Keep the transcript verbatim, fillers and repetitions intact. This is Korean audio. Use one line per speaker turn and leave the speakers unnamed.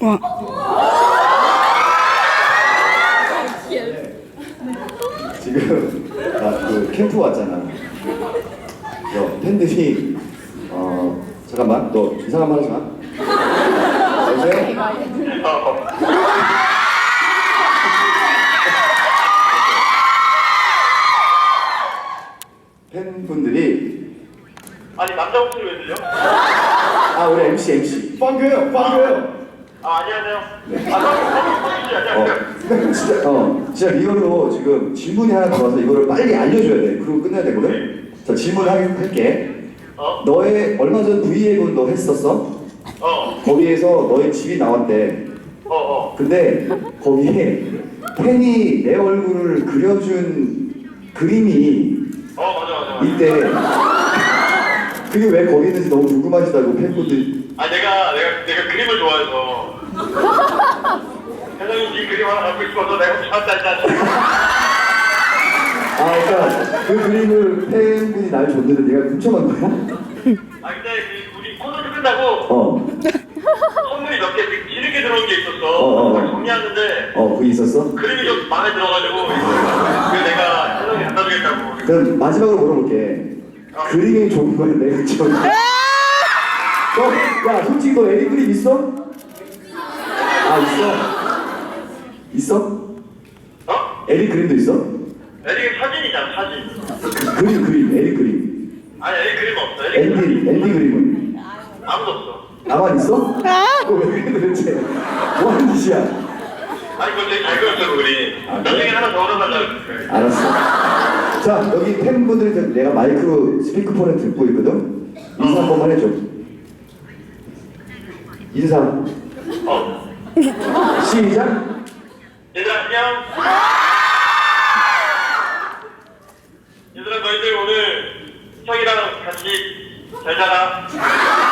와.
지금 나 그 캠프 왔잖아. 너 팬들이 어 잠깐만 너 이상한 말 하지 마. 여보세요? 팬분들이
아니 남자 목소리 왜 들려?
아 우리 엠씨 엠씨 빵교요 빵교요.
아 안녕하세요.
네.
아 성민씨 안녕하세요.
어 진짜 어 진짜 리얼로 지금 질문이 하나 들어와서 이거를 빨리 알려줘야 돼. 그리고 끝내야 되거든. 자 질문 할- 할게.
어?
너의 얼마 전 브이앱은 너 했었어?
어.
거기에서 너의 집이 나왔대.
어 어.
근데 거기에 팬이 내 얼굴을 그려준 그림이
어 맞아 맞아. 맞아.
있대. 그게 왜 거기 있는지 너무 궁금하시다고 팬분들.
아 내가 내가 내가 그림을 좋아해서. 회장님 이 그림 하나 갖고 싶어서 내가 좋았다 했다.
아 그러니까 그 그림을 팬분이 날 줬는데 네가 훔쳐간 거야?
아 근데 그 우리 콘서트 끝나고
어.
선물이 몇 개 뒤늦게 들어온 게 있었어.
어, 어.
그걸 정리하는데
어 그게 있었어?
그림이 좀 마음에 들어가지고 그래서 내가 회장님 갖다 주겠다고.
그럼 마지막으로 물어볼게.
어.
그림이 좋은 거야 내가 좋은 거야? 너, 야 솔직히 너 에릭 그림 있어? 아 있어? 있어?
어?
에릭 그림도 있어?
에릭 사진이잖아 사진.
그림 그림 에릭 그림.
아니 에릭 그림 없어. 에릭 그림
앤디 앤디 그림은
아무도 없어.
나만 있어? 그거 왜 그래 도대체? 뭐 하는 짓이야?
아니 그거 되게 잘 그렸어 그림.
아,
나중에
그래?
하나 더 얻어달라고 그래.
알았어. 자 여기 팬분들이 내가 마이크로 스피커폰에 듣고 있거든. 인사 한 번만 해줘. 인사.
어.
시작.
얘들아 안녕. 얘들아 너희들 오늘 형이랑 같이 잘 자라.